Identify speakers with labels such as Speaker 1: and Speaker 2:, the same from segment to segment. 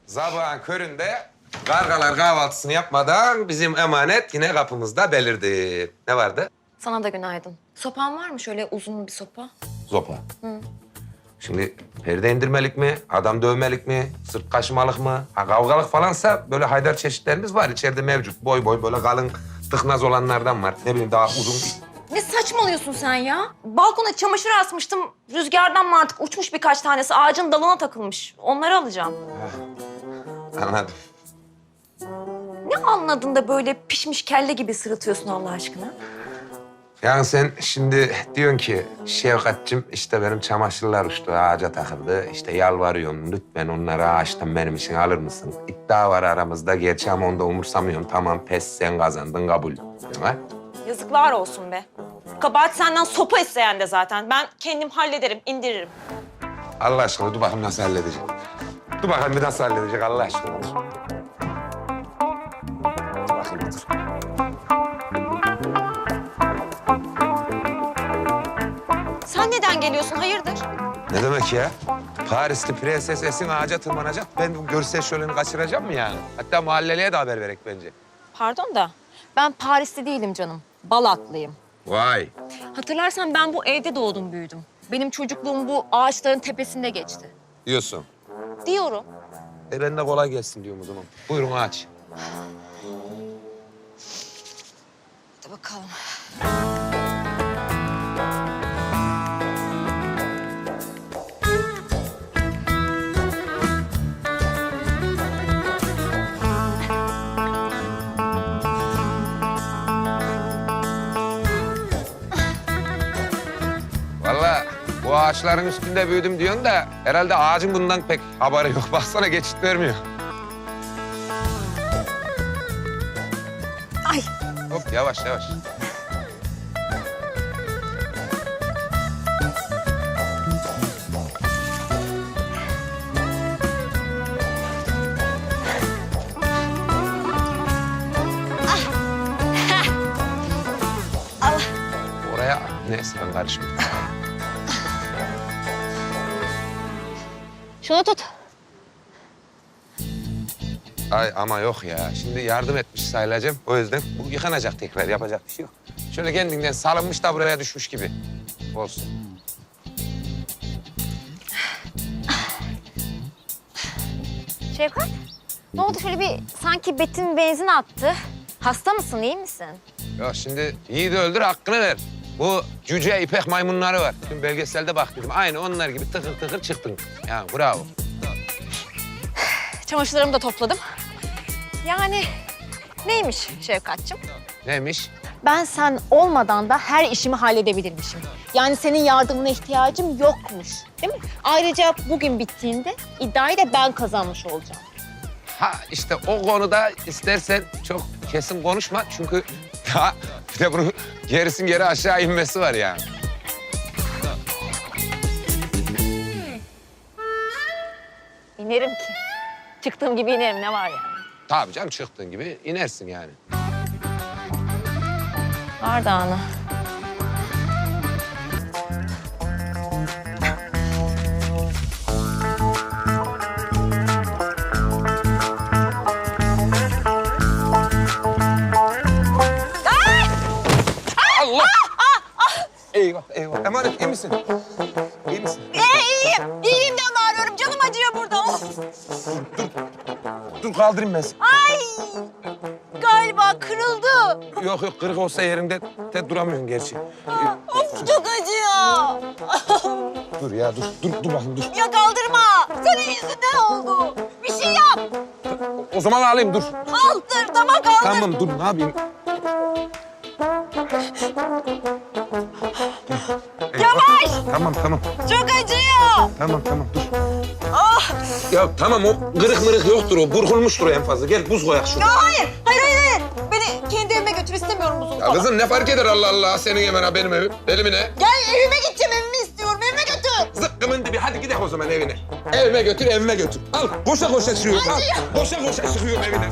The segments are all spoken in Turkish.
Speaker 1: Sabahın köründe kargalar kahvaltısını yapmadan bizim emanet yine kapımızda belirdi. Ne vardı?
Speaker 2: Sana da günaydın. Sopan var mı şöyle uzun bir sopa?
Speaker 1: Zopa. Şimdi perde indirmelik mi, adam dövmelik mi, sırt kaşımalık mı? Ha, kavgalık falansa böyle haydar çeşitlerimiz var içeride mevcut. Boy boy böyle kalın tıknaz olanlardan var. Ne bileyim daha uzun.
Speaker 2: Ne saçmalıyorsun sen ya? Balkona çamaşır asmıştım. Rüzgardan mı artık uçmuş birkaç tanesi. Ağacın dalına takılmış. Onları alacağım.
Speaker 1: Anladım.
Speaker 2: Ne anladın da böyle pişmiş kelle gibi sırıtıyorsun Allah aşkına?
Speaker 1: Yani sen şimdi diyorsun ki Şevkat'cığım işte benim çamaşırlar uçtu, ağaca takıldı. İşte yalvarıyorum lütfen onları ağaçtan benim için alır mısın? İddia var aramızda gerçi ama onu da umursamıyorum. Tamam pes sen kazandın kabul. Ha?
Speaker 2: Yazıklar olsun be. Kabahat senden sopa isteyen de zaten. Ben kendim hallederim, indiririm.
Speaker 1: Allah aşkına dur bakayım nasıl halledecek. Dur bakayım bir nasıl halledecek Allah aşkına. Dur bakayım dur.
Speaker 2: Sen neden geliyorsun? Hayırdır?
Speaker 1: Ne demek ya? Parisli prenses Esin ağaca tırmanacak. Ben bu görsel şöleni kaçıracağım mı yani? Hatta mahalleliye de haber verek bence.
Speaker 2: Pardon da ben Parisli değilim canım. Balaklıyım.
Speaker 1: Vay.
Speaker 2: Hatırlarsan ben bu evde doğdum, büyüdüm. Benim çocukluğum bu ağaçların tepesinde geçti.
Speaker 1: Diyorsun.
Speaker 2: Diyorum.
Speaker 1: Ben de kolay gelsin diyorum o zaman. Buyurun aç.
Speaker 2: Hadi bakalım.
Speaker 1: Vallahi bu ağaçların üstünde büyüdüm diyorsun da herhalde ağacın bundan pek haberi yok. Baksana geçit vermiyor.
Speaker 2: Ay.
Speaker 1: Hop yavaş yavaş.
Speaker 2: Allah.
Speaker 1: Oraya neyse ben karışmıyorum.
Speaker 2: Şunu tut.
Speaker 1: Ay ama yok ya. Şimdi yardım etmiş sayılacağım. O yüzden bu yıkanacak tekrar. Yapacak bir şey yok. Şöyle kendinden salınmış da buraya düşmüş gibi. Olsun.
Speaker 2: Şevkat, ne oldu? Şöyle bir sanki betin benzin attı. Hasta mısın, iyi misin?
Speaker 1: Ya şimdi yiğidi öldür hakkını ver. Bu cüce ipek maymunları var. Dün belgeselde bak dedim. Aynı onlar gibi tıkır tıkır çıktın. Ya bravo.
Speaker 2: Çamaşırlarımı da topladım. Yani neymiş Şevkat'cığım?
Speaker 1: Neymiş?
Speaker 2: Ben sen olmadan da her işimi halledebilirmişim. Yani senin yardımına ihtiyacım yokmuş, değil mi? Ayrıca bugün bittiğinde iddiayı da ben kazanmış olacağım.
Speaker 1: Ha işte o konuda istersen çok kesin konuşma. Çünkü daha bir de bunun gerisin geri aşağı inmesi var yani.
Speaker 2: İnerim ki. Çıktığım gibi inerim, ne var yani?
Speaker 1: Tabii canım çıktığın gibi inersin yani.
Speaker 2: Var da ana.
Speaker 1: Allah! Eyvah, eyvah. Emanet iyi misin? İyi misin?
Speaker 2: İyiyim. İyiyim de bağırıyorum. Canım acıyor burada. Of.
Speaker 1: Dur kaldırayım ben seni.
Speaker 2: Ay! Galiba kırıldı.
Speaker 1: Yok yok kırık olsa yerinde duramıyorsun gerçi.
Speaker 2: Of çok acıyor.
Speaker 1: Dur ya dur bakayım dur.
Speaker 2: Ya kaldırma. Senin yüzünden oldu. Bir şey yap.
Speaker 1: O zaman alayım dur.
Speaker 2: Kaldır. Tamam kaldır.
Speaker 1: Tamam dur ne yapayım?
Speaker 2: Yavaş.
Speaker 1: Tamam
Speaker 2: Çok acıyor.
Speaker 1: tamam dur.
Speaker 2: Ah.
Speaker 1: Ya tamam o kırık mırık yoktur o burkulmuştur en fazla. Gel buz koyak şurada.
Speaker 2: Ya hayır. Hayır. Beni kendi evime götür, istemiyorum buzunu
Speaker 1: Ya
Speaker 2: falan.
Speaker 1: kızım ne fark eder Allah Allah senin hemen ha benim evim. Benim ne?
Speaker 2: Gel evime gideceğim. Evimi istiyorum. Evime götür.
Speaker 1: Zıkkımın dibi hadi gidelim o zaman evine. Evime götür. Al koşa koşa çıkıyorum al. Koşa koşa çıkıyorum evine.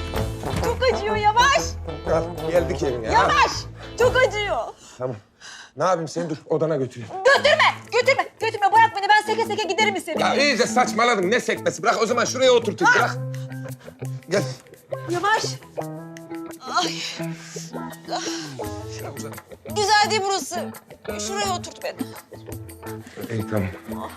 Speaker 2: Çok acıyor. Yavaş.
Speaker 1: Al geldik evine. al.
Speaker 2: Yavaş. Çok acıyor.
Speaker 1: Tamam. Ne yapayım seni dur odana götüreyim.
Speaker 3: Götürme. Bırak beni. Ben seke seke giderim istediğim
Speaker 1: Ya
Speaker 3: yere.
Speaker 1: iyice saçmaladın. Ne sekmesi? Bırak o zaman şuraya oturtayım. Bırak. Gel.
Speaker 3: Yavaş. Ay.
Speaker 1: Şuraya uzan.
Speaker 3: Güzel değil burası. Şuraya oturt beni.
Speaker 1: İyi tamam.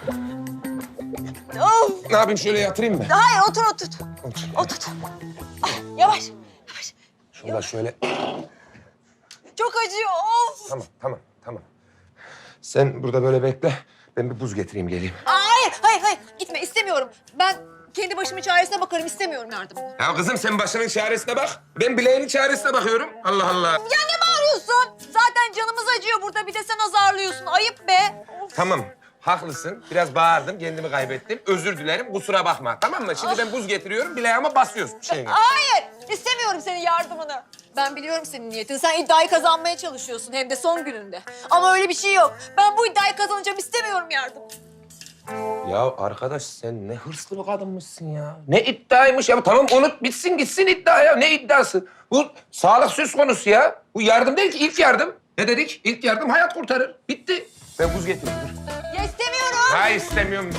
Speaker 3: Of.
Speaker 1: Ne yapayım şöyle yatırayım mı?
Speaker 3: Hayır otur.
Speaker 1: Otur.
Speaker 3: Ay, yavaş.
Speaker 1: Şurada şöyle.
Speaker 3: Çok acıyor. Of.
Speaker 1: Tamam. Sen burada böyle bekle. Ben bir buz getireyim geleyim.
Speaker 3: Hayır. Gitme istemiyorum. Ben kendi başımın çaresine bakarım. İstemiyorum yardımını.
Speaker 1: Ya kızım sen başının çaresine bak. Ben bileğinin çaresine bakıyorum. Allah Allah.
Speaker 3: Ya ne bağırıyorsun? Zaten canımız acıyor burada. Bir de sen azarlıyorsun. Ayıp be. Of.
Speaker 1: Tamam. Haklısın. Biraz bağırdım. Kendimi kaybettim. Özür dilerim. Kusura bakma. Tamam mı? Şimdi ben buz getiriyorum. Bileğime basıyorsun.
Speaker 3: Hayır. İstemiyorum senin yardımını. Ben biliyorum senin niyetini. Sen iddiayı kazanmaya çalışıyorsun. Hem de son gününde. Ama öyle bir şey yok. Ben bu iddiayı kazanacağım. İstemiyorum yardım.
Speaker 1: Ya arkadaş sen ne hırslı bir kadınmışsın ya. Ne iddiaymış ya. Tamam unut bitsin gitsin iddia ya. Ne iddiası? Bu sağlık söz konusu ya. Bu yardım değil ki ilk yardım. Ne dedik? İlk yardım hayat kurtarır. Bitti. Ben buz getireyim. Dur.
Speaker 3: Ya istemiyorum.
Speaker 1: Hayır istemiyorum.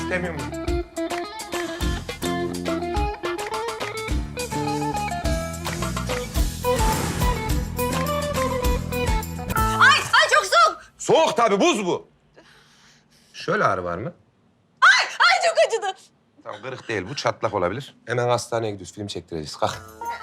Speaker 3: Ay çok soğuk.
Speaker 1: Soğuk tabii buz bu. Şöyle ağrı var mı?
Speaker 3: Ay çok acıdı.
Speaker 1: Tamam kırık değil bu çatlak olabilir. Hemen hastaneye gidiyoruz film çektireceğiz. Kalk.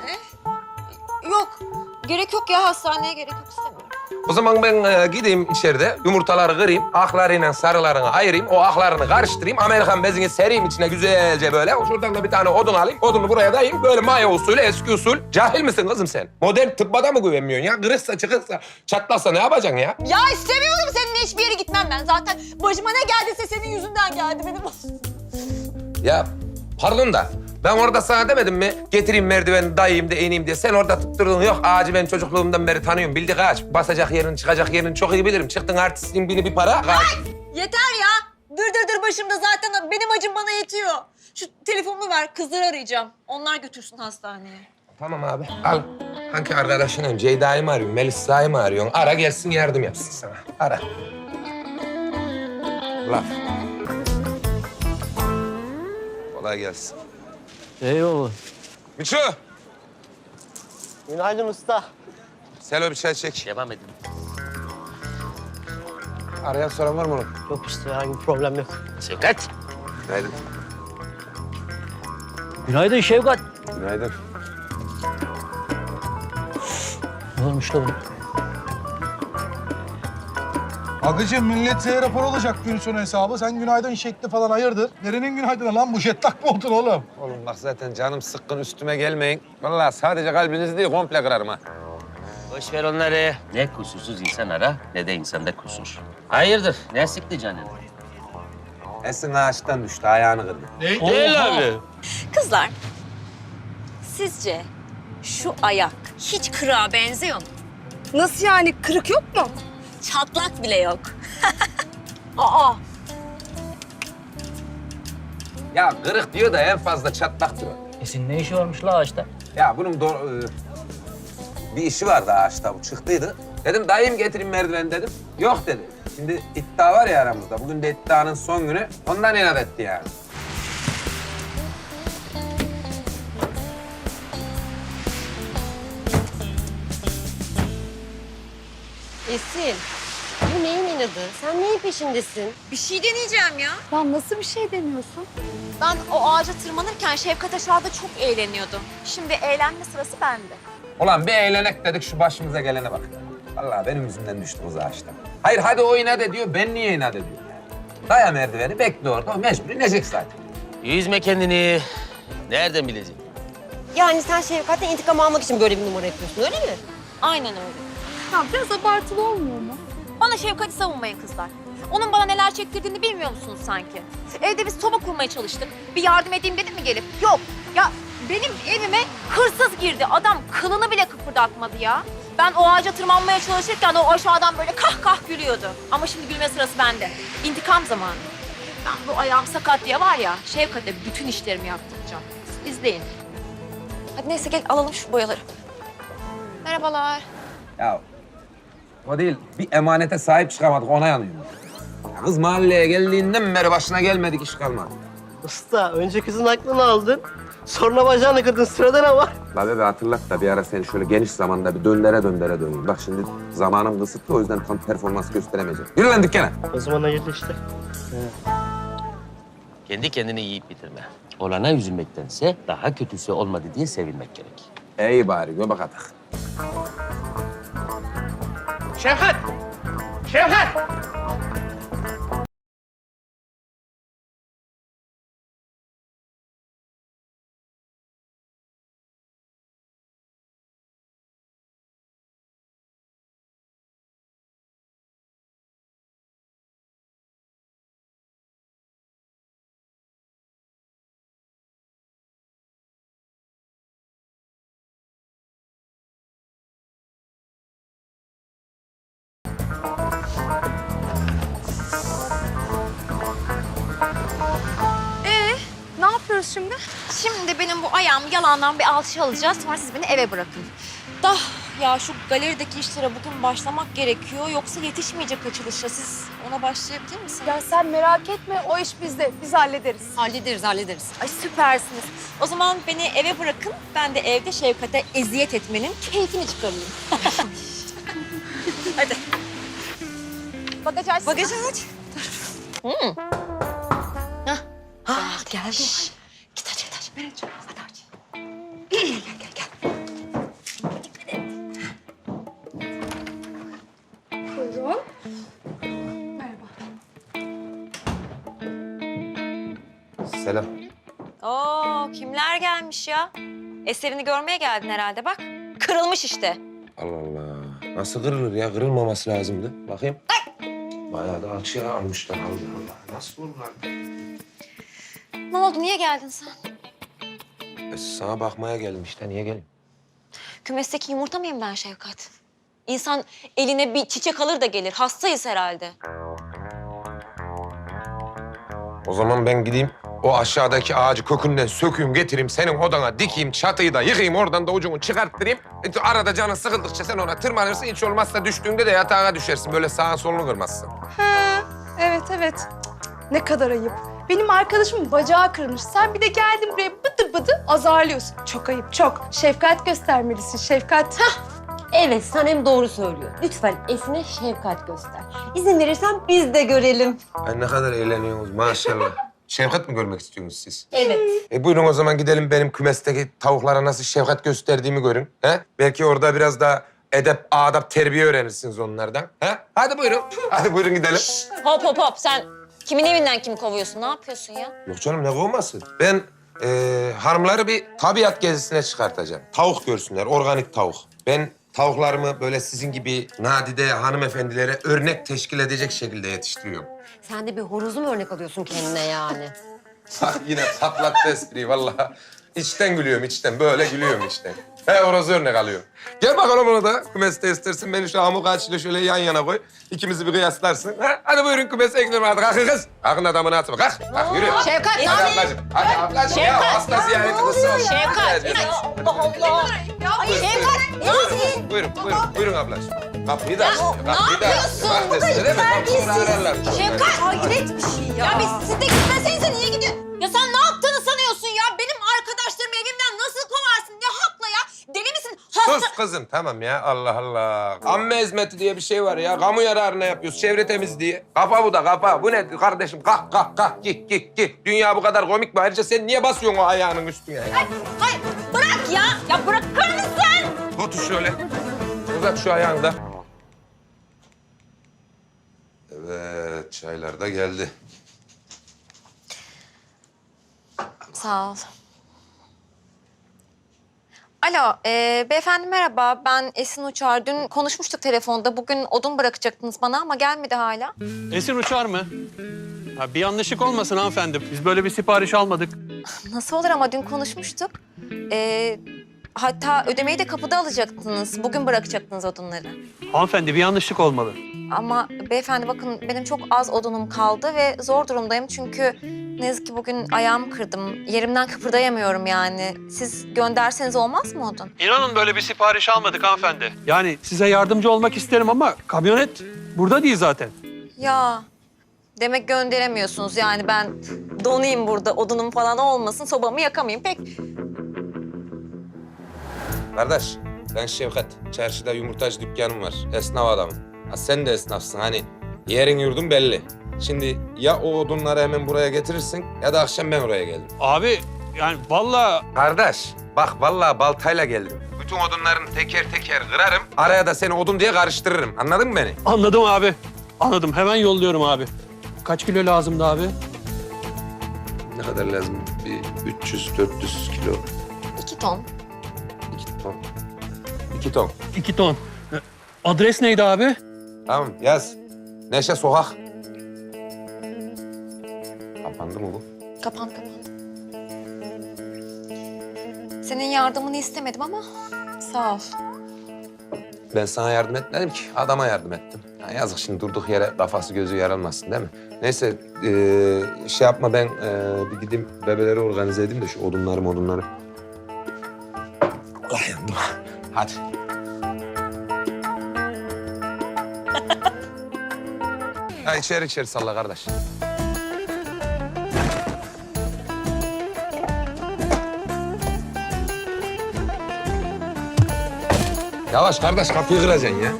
Speaker 3: Yok. Gerek yok ya. Hastaneye gerek yok. İstemiyorum.
Speaker 1: O zaman ben gideyim içeride yumurtaları kırayım, aklarıyla sarılarını ayırayım, o aklarını karıştırayım, Amerikan bezini sereyim içine güzelce böyle. Şuradan da bir tane odun alayım, odunu buraya dayayayım. Böyle maya usulü, eski usul. Cahil misin kızım sen? Modern tıbbada mı güvenmiyorsun ya? Kırıksa, çıkırsa, çatlaksa ne yapacaksın ya?
Speaker 3: Ya istemiyorum. Seninle hiçbir yere gitmem ben. Zaten başıma ne geldiyse senin yüzünden geldi benim.
Speaker 1: Ya pardon da ben orada sana demedim mi? Getireyim merdiveni dayayayım da ineyim diye. Sen orada tutturdun. Yok ağacı ben çocukluğumdan beri tanıyorum. Bildik ağaç. Basacak yerini, çıkacak yerini çok iyi bilirim. Çıktın artistliğin bini bir para.
Speaker 3: Yeter ya. Dır başımda zaten benim acım bana yetiyor. Şu telefonumu ver. Kızları arayacağım. Onlar götürsün hastaneye.
Speaker 1: Tamam abi al. Hangi arkadaşının Ceyda'yı mı arıyorsun, Melisa'yı mı arıyorsun? Ara gelsin yardım yapsın sana. Ara. Laf. Kolay gelsin.
Speaker 4: Eyvallah.
Speaker 1: Miço,
Speaker 4: Günaydın usta.
Speaker 1: Selo bir çay çek.
Speaker 4: Devam edin.
Speaker 1: Arayan soran var mı oğlum?
Speaker 4: Yok usta herhangi bir problem yok. Şevkat.
Speaker 1: Günaydın.
Speaker 4: Günaydın Şevkat.
Speaker 1: Günaydın.
Speaker 4: Ne olmuş da bu?
Speaker 5: Agıcığım millet rapor olacak gün sonu hesabı. Sen günaydın şekli falan hayırdır? Nerenin günaydını lan bu jetlak mı oldun oğlum?
Speaker 1: Oğlum bak zaten canım sıkkın üstüme gelmeyin. Vallahi sadece kalbinizi değil komple kırarım ha.
Speaker 4: Boş ver onları. Ne kusursuz insan ara ne de insanda kusur. Hayırdır? Ne sıktı canını?
Speaker 1: Esin ağaçtan düştü, ayağını kırdı.
Speaker 4: Değil abi.
Speaker 2: Kızlar, sizce şu ayak hiç kırığa benziyor mu?
Speaker 3: Nasıl yani? Kırık yok mu?
Speaker 2: Çatlak bile yok.
Speaker 3: Aa.
Speaker 1: Ya kırık diyor da en fazla çatlaktır o.
Speaker 4: Esin ne işi varmış la ağaçta?
Speaker 1: Ya bunun bir işi vardı ağaçta, bu çıktıydı. Dedim dayım getireyim merdiveni dedim. Yok dedi. Şimdi iddia var ya aramızda. Bugün de iddianın son günü. Ondan inat etti yani.
Speaker 6: Esin, bu neyin inadı? Sen neyin peşindesin?
Speaker 2: Bir şey deneyeceğim ya.
Speaker 3: Ya nasıl bir şey deniyorsun?
Speaker 2: Ben o ağaca tırmanırken Şevkat aşağıda çok eğleniyordu. Şimdi eğlenme sırası bende.
Speaker 1: Ulan bir eğlenek dedik şu başımıza gelene bak. Vallahi benim yüzümden düştü kız ağaçtan. Hayır hadi o inat ediyor, ben niye inat ediyorum yani? Daya merdiveni, bekle orada. O mecbur inecek zaten.
Speaker 4: Yüzme kendini. Nereden bileceksin?
Speaker 6: Yani sen Şevkat'ten intikam almak için böyle bir numara yapıyorsun, öyle mi?
Speaker 2: Aynen öyle.
Speaker 3: Ya biraz abartılı olmuyor mu?
Speaker 2: Bana Şevkat'i savunmayın kızlar. Onun bana neler çektirdiğini bilmiyor musunuz sanki? Evde biz soba kurmaya çalıştık. Bir yardım edeyim dedim mi gelip? Yok. Ya benim evime hırsız girdi. Adam kılını bile kıpırdatmadı ya. Ben o ağaca tırmanmaya çalışırken o aşağıdan böyle kah kah gülüyordu. Ama şimdi gülme sırası bende. İntikam zamanı. Ben bu ayağım sakat diye var ya, Şevkat'e bütün işlerimi yaptıracağım. Siz izleyin.
Speaker 3: Hadi neyse gel alalım şu boyaları.
Speaker 2: Merhabalar.
Speaker 1: Ya O değil, bir emanete sahip çıkamadık, ona yanıyorum. Ya kız mahalleye geldiğinden beri başına gelmedik, iş kalmadı.
Speaker 7: Usta önce kızın aklını aldın. Sonra bacağını kırdın. Sırada ne var?
Speaker 1: La bebe hatırlat da bir ara seni şöyle geniş zamanda bir döndere döneyim. Bak şimdi zamanım kısıtlı, o yüzden tam performans gösteremeyeceğim. Yürü lan dükkana.
Speaker 7: O zaman hayırlı işte.
Speaker 4: Kendi kendini yiyip bitirme. Olana üzülmektense daha kötüsü olmadı diye sevinmek gerek.
Speaker 1: İyi bari, göbek atak.
Speaker 4: Şevkat! Şevkat!
Speaker 2: Ne yapıyoruz şimdi? Şimdi benim bu ayağım yalandan bir alçı alacağız. Sonra siz beni eve bırakın. Ya şu galerideki işlere bugün başlamak gerekiyor. Yoksa yetişmeyecek açılışa. Siz ona başlayabilir misiniz?
Speaker 3: Ya sen merak etme, o iş bizde. Biz hallederiz.
Speaker 6: Hallederiz.
Speaker 2: Ay süpersiniz. O zaman beni eve bırakın. Ben de evde Şevkat'e eziyet etmenin keyfini çıkarayım. Hadi.
Speaker 3: Bagaj açsın.
Speaker 2: Bagajı aç.
Speaker 6: Geldi.
Speaker 2: Git aç, aç. Ben açıyorum. Hadi aç. Gel.
Speaker 3: Buyurun.
Speaker 1: Selam.
Speaker 2: Oo, kimler gelmiş ya? Eserini görmeye geldin herhalde bak. Kırılmış işte.
Speaker 1: Allah Allah. Nasıl kırılır ya? Kırılmaması lazımdı. Bakayım. Bayağı da alçıya almışlar. Allah Allah. Nasıl olur lan?
Speaker 2: Ne oldu, niye geldin sen?
Speaker 1: Sana bakmaya geldim işte. Niye geleyim?
Speaker 2: Kümesteki yumurta mıyım ben Şevkat? İnsan eline bir çiçek alır da gelir. Hastayız herhalde.
Speaker 1: O zaman ben gideyim. O aşağıdaki ağacı kökünden sökeyim, getireyim. Senin odana dikeyim, çatıyı da yıkayım. Oradan da ucunu çıkarttırayım. Arada canın sıkıldıkça sen ona tırmanırsın. Hiç olmazsa düştüğünde de yatağına düşersin. Böyle sağın solunu kırmazsın.
Speaker 3: Evet. Cık, ne kadar ayıp. Benim arkadaşımın bacağı kırılmış. Sen bir de geldin buraya bıdı bıdı azarlıyorsun. Çok ayıp, çok. Şefkat göstermelisin, şefkat.
Speaker 6: Evet, Sanem doğru söylüyor. Lütfen Esin'e şefkat göster. İzin verirsen biz de görelim.
Speaker 1: Ay ne kadar eğleniyorsunuz maşallah. Şefkat mi görmek istiyorsunuz siz?
Speaker 6: Evet.
Speaker 1: Buyurun o zaman gidelim benim kümesteki tavuklara nasıl şefkat gösterdiğimi görün. He? Belki orada biraz da edep, adap, terbiye öğrenirsiniz onlardan. He? Hadi buyurun. Hadi buyurun gidelim.
Speaker 2: Hop. Sen kimin evinden kimi kovuyorsun? Ne yapıyorsun ya?
Speaker 1: Yok canım ne kovması? Ben hanımları bir tabiat gezisine çıkartacağım. Tavuk görsünler, organik tavuk. Ben tavuklarımı böyle sizin gibi nadide hanımefendilere örnek teşkil edecek şekilde yetiştiriyorum.
Speaker 6: Sen de bir horozu mu örnek alıyorsun kendine yani?
Speaker 1: Bak yine patlattı espriyi vallahi. İçten gülüyorum, içten. Böyle gülüyorum içten. He orası örnek alıyorum. Gel bakalım ona da kümeste istersin. Beni şu Amuk ağaçıyla şöyle yan yana koy. İkimizi bir kıyaslarsın. Ha? Hadi buyurun kümese eklerim hadi. Kalkın kız. Kalkın adamını atma. Kalk. Kalk yürü.
Speaker 2: Şevkat,
Speaker 1: Hadi ablacığım. Hadi ablacığım ya. Hasta ziyareti kızı olsun.
Speaker 2: Şevkat.
Speaker 3: Allah.
Speaker 1: Buyurun ablacığım. Kapıyı da aç. Kapıyı da aç. Bak desene mi? Kapısını ararlar.
Speaker 2: Şevkat, hayret bir şey ya. Ya siz de gitmesenize niye gidiyorsun? Ya sen ne yaptığını sanıyorsun ya? Benim arkadaşlarımı evimden nasıl kovarsın? Ne hakla ya? Deli misin?
Speaker 1: Sus kızım tamam ya Allah Allah. Amme hizmeti diye bir şey var ya. Kamu yararına yapıyoruz. Çevre temizliği. Kafa bu da kafa. Bu ne kardeşim? Kalk. Git. Dünya bu kadar komik mi? Ayrıca sen niye basıyorsun o ayağının üstüne ya?
Speaker 2: Hayır, bırak ya. Ya bırakır mısın?
Speaker 1: Otur şöyle. Uzat şu ayağını da. Evet, çaylar da geldi.
Speaker 2: Sağ ol. Alo, beyefendi merhaba. Ben Esin Uçar. Dün konuşmuştuk telefonda. Bugün odun bırakacaktınız bana ama gelmedi hala.
Speaker 8: Esin uçar mı? Ha, bir yanlışlık olmasın hanımefendi. Biz böyle bir sipariş almadık.
Speaker 2: Nasıl olur ama dün konuşmuştuk. Hatta ödemeyi de kapıda alacaktınız. Bugün bırakacaktınız odunları.
Speaker 8: Hanımefendi bir yanlışlık olmalı.
Speaker 2: Ama beyefendi bakın benim çok az odunum kaldı ve zor durumdayım. Çünkü ne yazık ki bugün ayağımı kırdım. Yerimden kıpırdayamıyorum yani. Siz gönderseniz olmaz mı odun?
Speaker 8: İnanın böyle bir sipariş almadık hanımefendi. Yani size yardımcı olmak isterim ama kamyonet burada değil zaten.
Speaker 2: Ya demek gönderemiyorsunuz yani ben donayım burada odunum falan olmasın sobamı yakamayayım pek.
Speaker 1: Kardeş, ben Şevkat. Çarşıda yumurtacı dükkanım var. Esnaf adamım. Ha, sen de esnafsın hani. Yerin yurdun belli. Şimdi ya o odunları hemen buraya getirirsin ya da akşam ben oraya geldim.
Speaker 8: Abi yani vallahi
Speaker 1: Kardeş, bak vallahi baltayla geldim. Bütün odunlarını teker teker kırarım. Araya da seni odun diye karıştırırım. Anladın mı beni?
Speaker 8: anladım abi. Anladım. Hemen yolluyorum abi. Kaç kilo lazımdı abi?
Speaker 1: Ne kadar lazım? Bir 300-400 kilo.
Speaker 2: 2 ton.
Speaker 1: 2 ton. 2 ton.
Speaker 8: 2 ton. Adres neydi abi?
Speaker 1: Tamam yaz. Neşe Sokak. Kapandı mı bu?
Speaker 2: Kapandı. Senin yardımını istemedim ama sağ ol.
Speaker 1: Ben sana yardım etmedim ki. Adama yardım ettim. Ya yazık şimdi durduk yere kafası gözü yaralmasın değil mi? Neyse şey yapma ben bir gideyim bebeleri organize edeyim de şu odunları. Allah yandım. Hadi. Ha içeri salla kardeş. Yavaş kardeş kapıyı kıracaksın ya.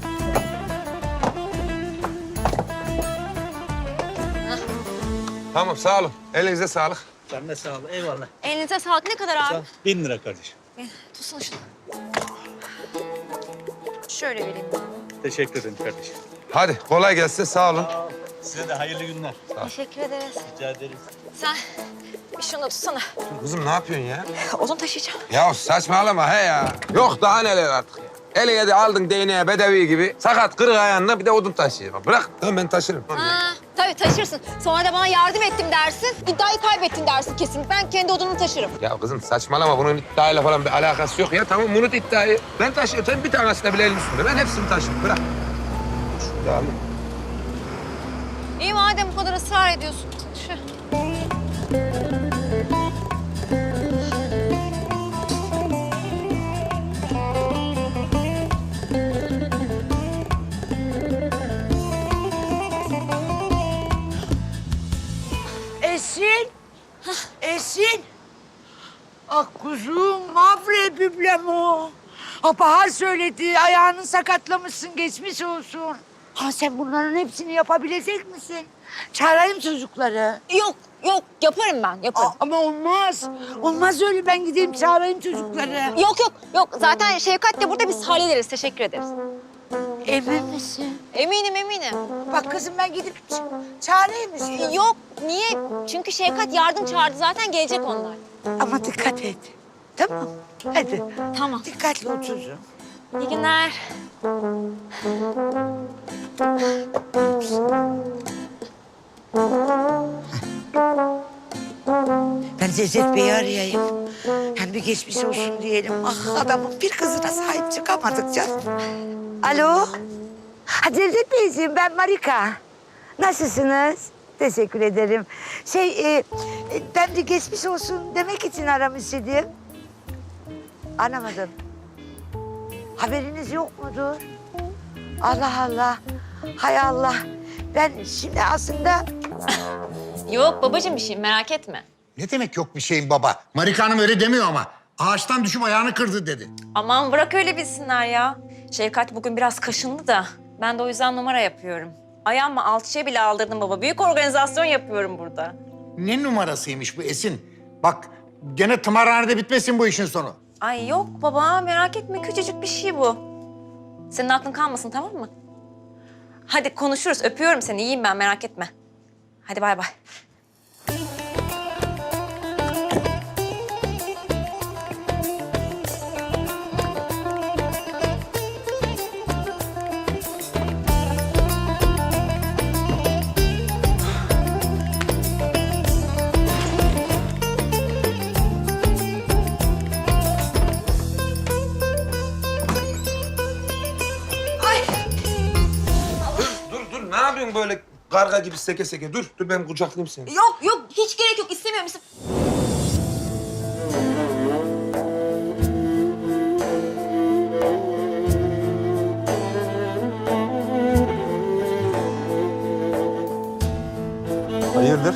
Speaker 1: Tamam sağ olun. Elinize sağlık.
Speaker 7: Sen de sağ ol. Eyvallah.
Speaker 2: Elinize sağlık ne kadar abi?
Speaker 7: 1000 lira kardeşim.
Speaker 2: Tutsun şunu. Şöyle vereyim.
Speaker 7: Teşekkür ederim kardeşim.
Speaker 1: Hadi kolay gelsin sağ olun.
Speaker 7: Size de hayırlı günler.
Speaker 2: Teşekkür ederiz.
Speaker 7: Rica ederiz.
Speaker 2: Sen bir şunu tutsana.
Speaker 1: Kızım ne yapıyorsun ya?
Speaker 2: Odun taşıyacağım.
Speaker 1: Ya saçmalama he ya. Yok daha neler artık ya. Eline de aldın değneğe bedevi gibi. Sakat kırık ayağınla bir de odun taşıyor. Bırak tamam ben taşırım.
Speaker 2: Ha, tabii taşırsın. Sonra da bana yardım ettim dersin. İddiayı kaybettin dersin kesin. Ben kendi odunumu taşırım.
Speaker 1: Ya kızım saçmalama bunun iddiayla falan bir alakası yok ya. Tamam unut iddiayı. Ben taşıyorum. Sen bir tanesine bile elini sürme. Ben hepsini taşırım. Bırak. Şurada alayım.
Speaker 2: İyi madem bu kadar ısrar ediyorsun. Şu.
Speaker 9: Esin. Esin. Ah kuzum, mavre büblem o. Ha, Bahar söyledi, ayağını sakatlamışsın, geçmiş olsun. Ha sen bunların hepsini yapabilecek misin? Çağırayım çocukları.
Speaker 2: Yok yaparım ben yaparım.
Speaker 9: Ama olmaz. Olmaz öyle, ben gideyim çağırayım çocukları.
Speaker 2: Yok. Zaten Şevkat de burada biz hallederiz. Teşekkür ederiz.
Speaker 9: Emin misin?
Speaker 2: Eminim.
Speaker 9: Bak kızım ben gidip çağırayım mı?
Speaker 2: Yok niye? Çünkü Şevkat yardım çağırdı zaten gelecek onlar.
Speaker 9: Ama dikkat et. Tamam. Hadi.
Speaker 2: Tamam.
Speaker 9: Dikkatli ol çocuğum.
Speaker 2: İyi günler.
Speaker 9: Ben Cevdet Bey'i arayayım. Yani bir geçmiş olsun diyelim. Ah adamın bir kızına sahip çıkamadık canım. Alo. Ha Cevdet Beyciğim ben Marika. Nasılsınız? Teşekkür ederim. Ben bir geçmiş olsun demek için aramış idim. Anlamadım. Haberiniz yok mudur? Allah Allah. Hay Allah. Ben şimdi aslında...
Speaker 2: Yok babacığım bir şey merak etme.
Speaker 10: Ne demek yok bir şeyin baba? Marika Hanım öyle demiyor ama. Ağaçtan düşüp ayağını kırdı dedi.
Speaker 2: Aman bırak öyle bilsinler ya. Şevkat bugün biraz kaşındı da ben de o yüzden numara yapıyorum. Ayağımı alçıya bile aldırdım baba. Büyük organizasyon yapıyorum burada.
Speaker 10: Ne numarasıymış bu Esin? Bak gene tımarhanede bitmesin bu işin sonu.
Speaker 2: Ay yok baba merak etme küçücük bir şey bu. Senin aklın kalmasın tamam mı? Hadi konuşuruz öpüyorum seni iyiyim ben merak etme. Hadi bay bay.
Speaker 1: böyle karga gibi seke seke. Dur ben kucaklayayım seni.
Speaker 2: Yok yok hiç gerek yok istemiyorum.
Speaker 11: Hayırdır?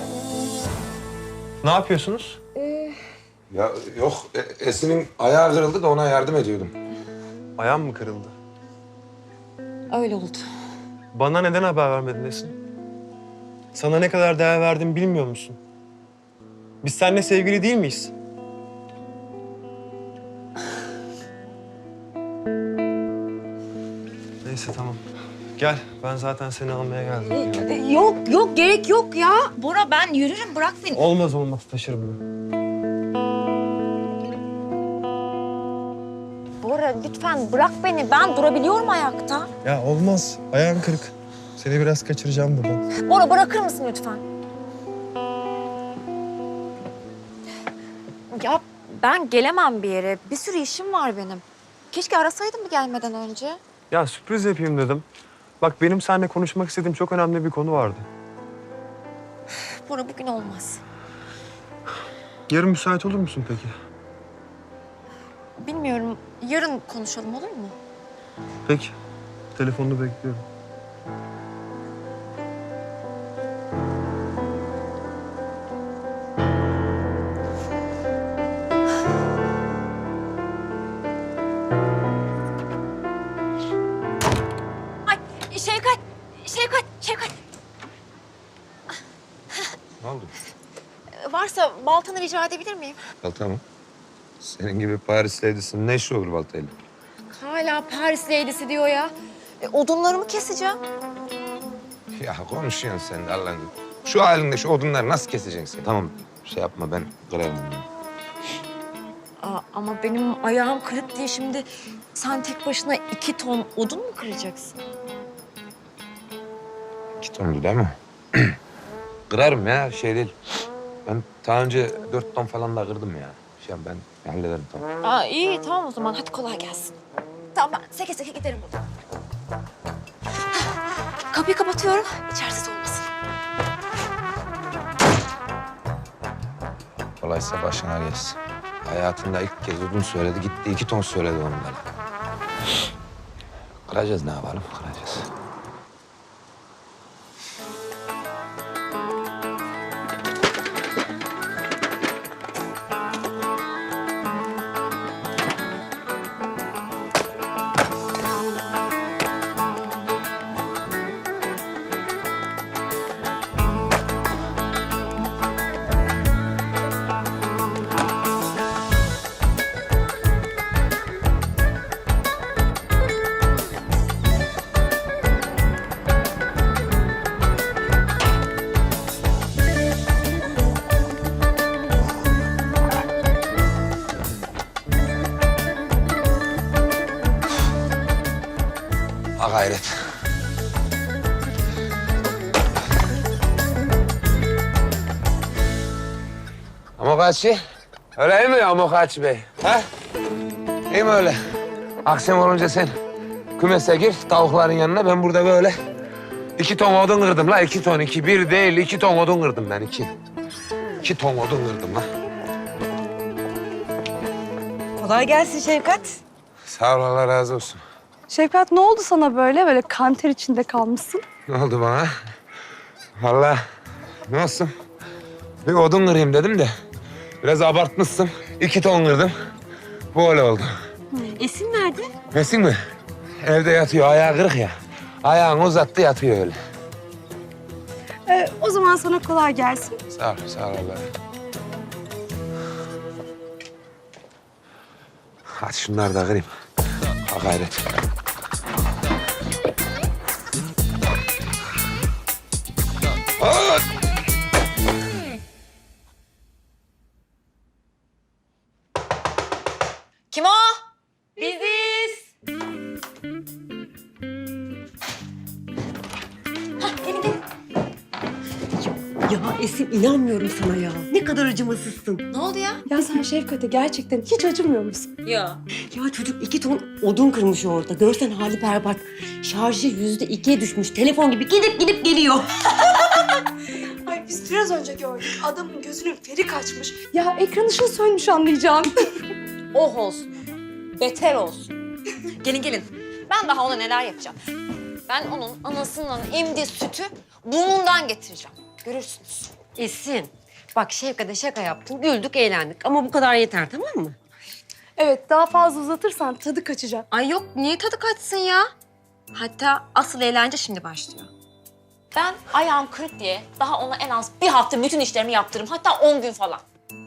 Speaker 11: Ne yapıyorsunuz?
Speaker 1: Ya yok Esin'in ayağı kırıldı da ona yardım ediyordum.
Speaker 11: Ayağım mı kırıldı?
Speaker 2: Öyle oldu.
Speaker 11: Bana neden haber vermedin Esin? Sana ne kadar değer verdiğimi bilmiyor musun? Biz seninle sevgili değil miyiz? Neyse tamam. Gel, ben zaten seni almaya geldim.
Speaker 2: Yok yok gerek yok ya. Bora ben yürürüm bırak beni.
Speaker 11: Olmaz olmaz, taşırım ben.
Speaker 2: Bora lütfen bırak beni. Ben durabiliyorum ayakta.
Speaker 11: Ya olmaz, ayağın kırık. Seni biraz kaçıracağım buradan.
Speaker 2: Bora bırakır mısın lütfen? Ya ben gelemem bir yere. Bir sürü işim var benim. Keşke arasaydım mı gelmeden önce?
Speaker 11: Ya sürpriz yapayım dedim. Bak benim seninle konuşmak istediğim çok önemli bir konu vardı.
Speaker 2: Bora bugün olmaz.
Speaker 11: Yarın müsait olur musun peki?
Speaker 2: Bilmiyorum. Yarın konuşalım olur mu?
Speaker 11: Peki. Telefonunu bekliyorum.
Speaker 2: Ay Şevkat. Şevkat.
Speaker 1: Ne oldu?
Speaker 2: Varsa baltanı rica edebilir miyim?
Speaker 1: Balta mı? Senin gibi Paris lady'sin ne işi olur baltayla?
Speaker 2: Hala Paris lady'si diyor ya. Odunlarımı keseceğim.
Speaker 1: Ya konuşuyorsun sen de Allah'ın. Şu halinde şu odunları nasıl keseceksin? Tamam şey yapma ben kırarım onları.
Speaker 2: Ama benim ayağım kırık diye şimdi sen tek başına 2 ton odun mu kıracaksın?
Speaker 1: 2 tondu değil mi? Kırarım ya şey değil. Ben daha önce 4 ton falan da kırdım ya. Ben hallederim tamam.
Speaker 2: İyi tamam o zaman hadi kolay gelsin. Tamam ben seke seke giderim buradan. Kapıyı kapatıyorum içerisi olmasın.
Speaker 1: Kolaysa başına gelsin. Hayatında ilk kez odun söyledi gitti 2 ton söyledi onlara. Kıracağız ne yapalım kıracağız. Ha gayret. Amokachi. Öyle iyi mi Amokachi Bey? Ha? İyi mi öyle? Akşam olunca sen kümese gir tavukların yanına. Ben burada böyle 2 ton odun kırdım la. 2 ton, 2. 1 değil 2 ton odun kırdım ben 2. 2 ton odun kırdım la.
Speaker 6: Kolay gelsin Şevkat.
Speaker 1: Sağ ol Allah razı olsun.
Speaker 3: Şevkat ne oldu sana böyle kanter içinde kalmışsın?
Speaker 1: Ne oldu bana? Vallahi ne olsun? Bir odun kırayım dedim de biraz abartmışsın. 2 ton kırdım. Bu öyle oldu.
Speaker 6: Esin nerede?
Speaker 1: Esin mi? Evde yatıyor. Ayağı kırık ya. Ayağını uzattı yatıyor öyle.
Speaker 3: O zaman sana kolay gelsin.
Speaker 1: Sağ ol Allah. Hadi şunları da kırayım. Ha gayret. Aa!
Speaker 2: Kim o? Biziz. Gelin.
Speaker 6: Ya Esin inanmıyorum sana ya. Ne kadar acımasızsın.
Speaker 2: Ne oldu ya?
Speaker 3: Ya sen Şefkat'e gerçekten hiç acımıyor musun?
Speaker 2: Ya.
Speaker 6: Ya çocuk 2 ton odun kırmış orada. Görsen hali berbat. Şarjı %2'ye düşmüş. Telefon gibi gidip geliyor.
Speaker 3: Ay biz biraz önce gördük. Adamın gözünün feri kaçmış. Ya ekran ışığı sönmüş anlayacağım.
Speaker 2: Oh olsun. Beter olsun. Gelin. Ben daha ona neler yapacağım. Ben onun anasının emdiği sütü burnundan getireceğim. Görürsünüz.
Speaker 6: Esin, bak Şevkat'e şaka yaptın. Güldük, eğlendik. Ama bu kadar yeter, tamam mı?
Speaker 3: Evet daha fazla uzatırsan tadı kaçacak.
Speaker 2: Ay yok, niye tadı kaçsın ya? Hatta asıl eğlence şimdi başlıyor. Ben ayağım kırık diye daha ona en az bir hafta bütün işlerimi yaptırırım. Hatta 10 gün falan.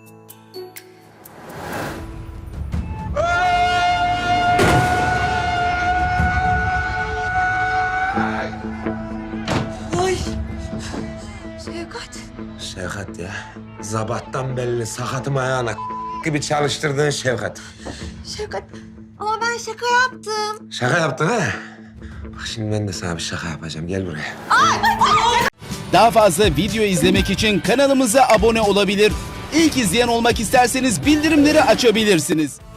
Speaker 2: Ay. Şevkat.
Speaker 1: Şevkat ya. Zabattan belli sakatım ayağına gibi çalıştırdığın Şevkat.
Speaker 2: Şevkat. Ama ben şaka yaptım.
Speaker 1: Şaka yaptın ha? Bak şimdi ben de sana bir şaka yapacağım. Gel buraya.
Speaker 12: Daha fazla video izlemek için kanalımıza abone olabilir. İlk izleyen olmak isterseniz bildirimleri açabilirsiniz.